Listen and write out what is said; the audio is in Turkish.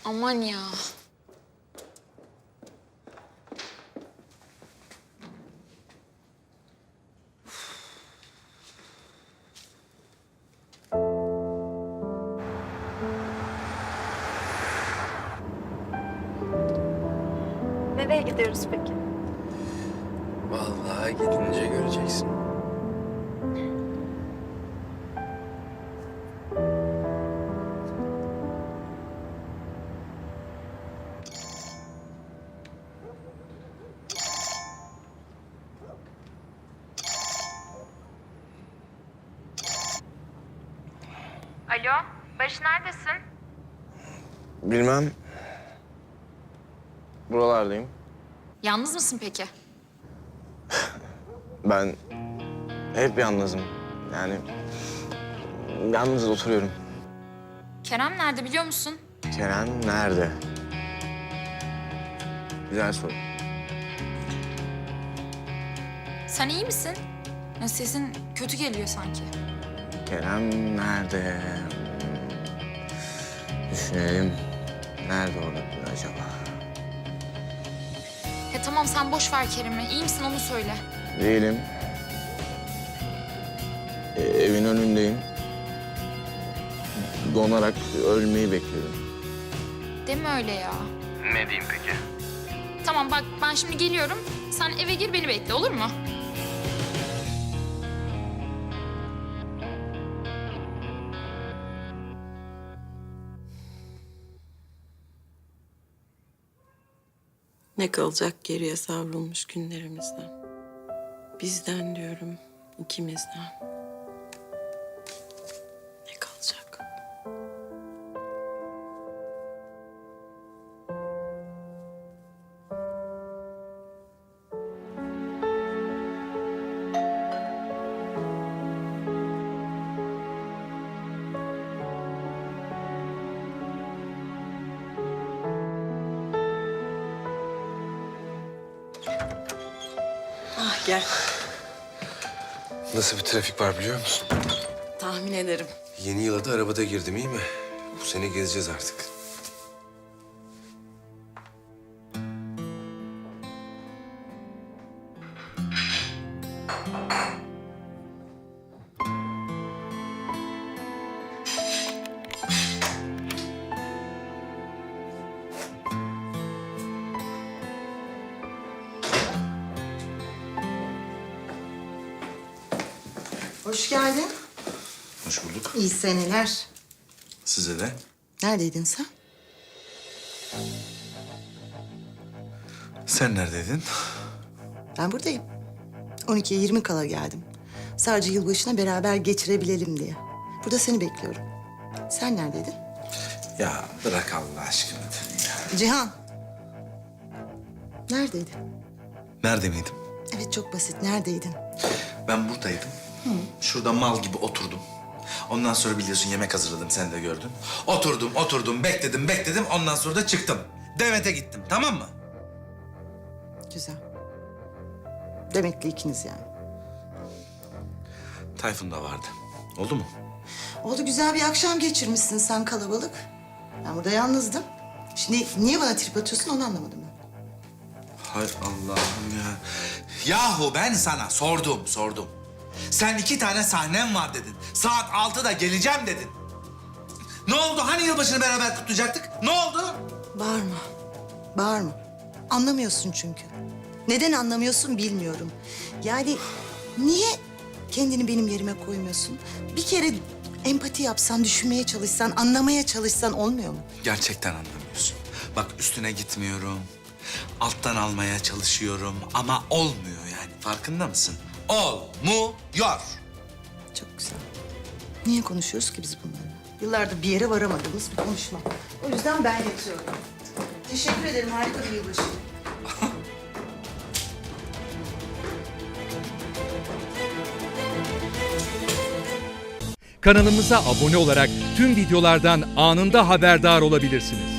Aman ya. Nereye gidiyoruz peki? Vallahi gidince göreceksin. Alo, Barış neredesin? Bilmem. Buralardayım. Yalnız mısın peki? Ben hep yalnızım. Yani yalnız oturuyorum. Kerem nerede biliyor musun? Kerem nerede? Güzel soru. Sen iyi misin? Ya sesin kötü geliyor sanki. Kerem nerede? Düşünelim. Nerede olabilir acaba? Tamam sen boş ver Kerem'i. İyi misin onu söyle. Değilim. Evin önündeyim. Donarak ölmeyi bekliyorum. Deme öyle ya. Ne diyeyim peki? Tamam bak ben şimdi geliyorum. Sen eve gir beni bekle olur mu? Ne kalacak geriye savrulmuş günlerimizden? Bizden diyorum, ikimizden. Ne kalacak? Ah gel, Nasıl bir trafik var biliyor musun? tahmin ederim. Yeni yıla da arabada girdim, iyi mi? Bu sene gezeceğiz artık. Hoş geldin. Hoş bulduk. İyi seneler. Size de. Neredeydin sen? Sen neredeydin? Ben buradayım. 12'ye 20 kala geldim. Sadece yılbaşına beraber geçirebilelim diye. Burada seni bekliyorum. Sen neredeydin? Ya bırak Allah aşkına. Cihan. Neredeydin? Nerede miydim? Evet çok basit. Neredeydin? Ben buradaydım. Şurada mal gibi oturdum. Ondan sonra biliyorsun yemek hazırladım, sen de gördün. Oturdum, bekledim. Ondan sonra da çıktım. Demet'e gittim, tamam mı? Güzel. Demek ki ikiniz yani. Tayfun da vardı. Oldu mu? Oldu güzel bir akşam geçirmişsin sen kalabalık. Ben burada yalnızdım. Şimdi niye bana trip atıyorsun onu anlamadım ben. Hay Allah'ım ya. Yahu ben sana sordum. Sen 2 tane sahnem var dedin. Saat 6'da geleceğim dedin. Ne oldu? Hani yılbaşını beraber kutlayacaktık? Ne oldu? Bağırma. Bağırma. Anlamıyorsun çünkü. Neden anlamıyorsun bilmiyorum. Yani niye kendini benim yerime koymuyorsun? Bir kere empati yapsan, düşünmeye çalışsan, anlamaya çalışsan olmuyor mu? Gerçekten anlamıyorsun. Bak üstüne gitmiyorum. Alttan almaya çalışıyorum ama olmuyor yani. Farkında mısın? Olmuyor. Çok güzel. Niye konuşuyoruz ki biz bunları? Yıllardır bir yere varamadığımız bir konuşma. O yüzden ben yatıyorum. Teşekkür ederim. Harika bir yılbaşı. Kanalımıza abone olarak tüm videolardan anında haberdar olabilirsiniz.